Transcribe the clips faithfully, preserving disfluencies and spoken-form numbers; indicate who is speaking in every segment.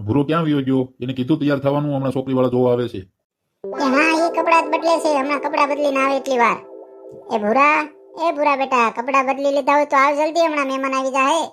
Speaker 1: ભૂરો ક્યાં વયો ગયો? એને કીધું તૈયાર થવાનું, હમણાં છોકરી વાળા જોવા આવે છે.
Speaker 2: એ હા, એ કપડા જ બદલે છે, હમણાં કપડા બદલીને આવે એટલી વાર. એ ભૂરા, એ ભૂરા બેટા, કપડા બદલી લીધા હોય તો આવ જલ્દી, હમણાં મહેમાન આવી જાય.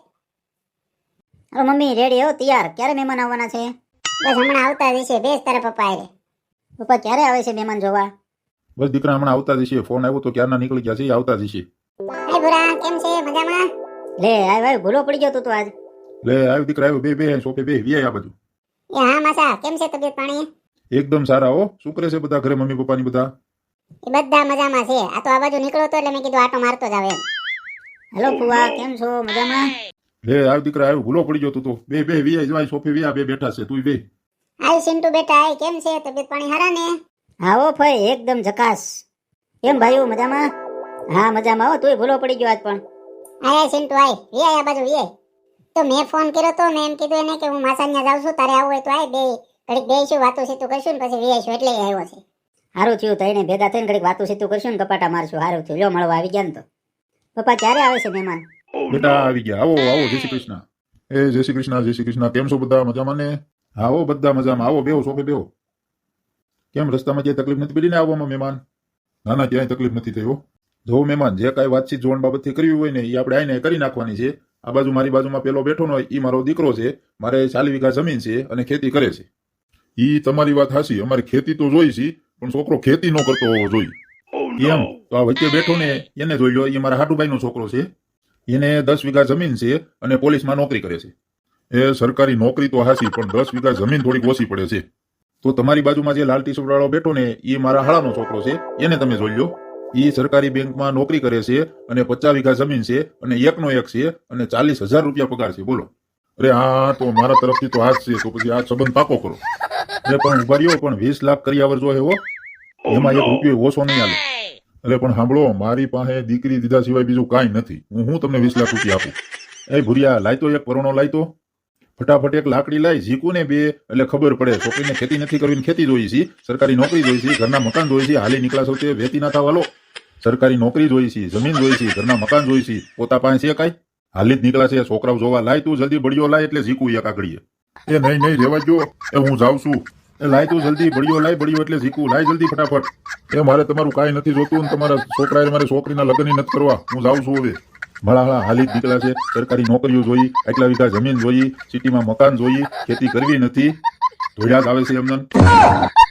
Speaker 3: હવે મમ્મી રેડી હો, તૈયાર. ક્યારે મહેમાન આવવાના છે?
Speaker 2: બસ હમણાં આવતા જશે, બેસ તારા પપ્પા આરે.
Speaker 3: પપ્પા ક્યારે આવે છે મહેમાન જોવા?
Speaker 1: બસ દીકરા હમણાં આવતા જશે. ફોન આવ્યો તો ક્યારના નીકળી ગયા છે, એ આવતા જશે.
Speaker 2: એ ભૂરા કેમ છે, મજામાં?
Speaker 3: લે આય ભાઈ, ભૂલો પડી ગયો તું તો આજ.
Speaker 1: લે આવ્યો દીકરા, આવ્યો. બે બે સોફે બે વી આ બધું.
Speaker 2: એ હા માસા, કેમ છે તબિયત પાણી?
Speaker 1: એકદમ સારા હો. શું કરે છે બધા ઘરે, મમ્મી પપ્પાની બધા?
Speaker 2: એ બધા મજામાં છે. આ તો આ બાજુ નીકળો તો એટલે મેં કીધું આટો મારતો જ આવે.
Speaker 3: હેલો ફુવા, કેમ છો? મજામાં?
Speaker 1: લે આવ્યો દીકરા, આવ્યો. ભૂલો પડી ગયો તું તો. બે બે વી આ સોફે વી આ બે બેઠા છે, તું બે.
Speaker 2: આય સિન્ટુ બેટા, આય કેમ છે, તબિયત પાણી હારા ને?
Speaker 3: હા હો ભાઈ, એકદમ ઝકાસ. કેમ ભાઈઓ મજામાં? હા મજામાં હો, તુંય ભૂલો પડી ગયો આજ પણ.
Speaker 2: આય સિન્ટુ આય, વી આય આ બાજુ વી આય. તો મેં ફોન કર્યો તો, મેં એમ કીધું એને કે હું માસાન્યા જાઉં છું, તારે આવવું હોય તો આય, બે ઘડીક બેસીશું, વાતો સીતું કરશું ને પછી વી આવીશું, એટલે આવ્યો છે.
Speaker 3: સારું થયું, તઈને ભેગા થઈને ઘડીક વાતું સીતું કરશું ને કપાટા મારશું. સારું થયું, લ્યો મળવા આવી ગયા ને તો. પપ્પા ક્યારે આવે છે મહેમાન?
Speaker 1: બેટા આવી ગયા. આવો આવો, જય શ્રી કૃષ્ણ. એ જય શ્રી કૃષ્ણ, જય શ્રી કૃષ્ણ. કેમ છો બધા, મજામાં ને? આવો બધા મજામાં. આવો, બેહો સોફે બેહો. કેમ રસ્તામાં ક્યાંય તકલીફ નથી પડી ને આવવામાં મહેમાન? ના ના, ક્યાંય તકલીફ નથી થઈ હો. જો મહેમાન, જે કાંઈ વાતચીત જોણ બાબતથી કરવી હોય ને એ આપણે આઈને કરી નાખવાની છે. આ બાજુ મારી બાજુમાં પેલો બેઠો હોય એ મારો દીકરો છે. મારે ચાલી વીઘા જમીન છે અને ખેતી કરે છે. ઈ તમારી વાત હાચી, અમારે ખેતી તો જોઈ છે, પણ છોકરો ખેતી ન કરતો હોવો જોઈએ. એમ તો આ વચ્ચે બેઠો ને એને જોઈ લો. એ મારા હાટુભાઈ નો છોકરો છે. એને દસ વીઘા જમીન છે અને પોલીસમાં નોકરી કરે છે. એ સરકારી નોકરી તો હાચી, પણ દસ વીઘા જમીન થોડીક ઓછી પડે છે. તો તમારી બાજુમાં જે લાલ ટી શર્ટ વાળો બેઠો ને એ મારા હાળાનો છોકરો છે. એને તમે જોઈ લો. એ સરકારી બેંકમાં નોકરી કરે છે અને પચાસ વીઘા જમીન છે અને એકનો એક છે અને ચાલીસ હજાર રૂપિયા પગાર છે. બોલો. અરે હા, તો મારા તરફથી તો હાથ છે, તો પછી આ સંબંધ પાકો કરો. અરે પણ ઉભા રહ્યો, પણ વીસ લાખ કરિયાવર જો હો, એમાં એક રૂપિયો ઓછો નહીં આવે. અરે પણ સાંભળો, મારી પાસે દીકરી દીધા સિવાય બીજું કાંઈ નથી. હું હું તમને વીસ લાખ રૂપિયા આપું. એ ભૂરિયા, લાયતો એક પરોણો લાયતો. ફટાફટ એક લાકડી લાઈ, ઝીકું ને બે, એટલે ખબર પડે. છોકરીને ખેતી નથી કરવી, ખેતી જોઈ છે, સરકારી નોકરી જોઈ છે, ઘરના મકાન જોઈ છે. હાલી નીકળા સૌ તે વેતી ના થવા લો. સરકારી નોકરી જોઈ છે, જમીન જોઈ છે, ઘરના મકાન જોઈ છે. પોતા પાસે છે કાંઈ? હાલી જ નીકળા છે. છોકરાઓ જોવા લાય, તું જલ્દી બળીઓ લાય, એટલે ઝીકું એક આગળીએ. એ નહીં નહીં, રેવા જો. એ હું જાઉં છું. એ લાય તું જલ્દી, બળીઓ લાય, બળીઓ એટલે ઝીકું લાય જલ્દી ફટાફટ. એ મારે તમારું કાંઈ નથી જોતું ને તમારા છોકરાએ મારી છોકરીના લગ્ન નથી કરવા. હું જાઉં છું હવે. ભલા હળા હાલી જ નીકળ્યા છે. સરકારી નોકરીઓ જોઈ, આટલા વીઘા જમીન જોઈ, સિટીમાં મકાન જોઈ, ખેતી કરવી નથી. ધોળ્યા જ આવે છે એમને.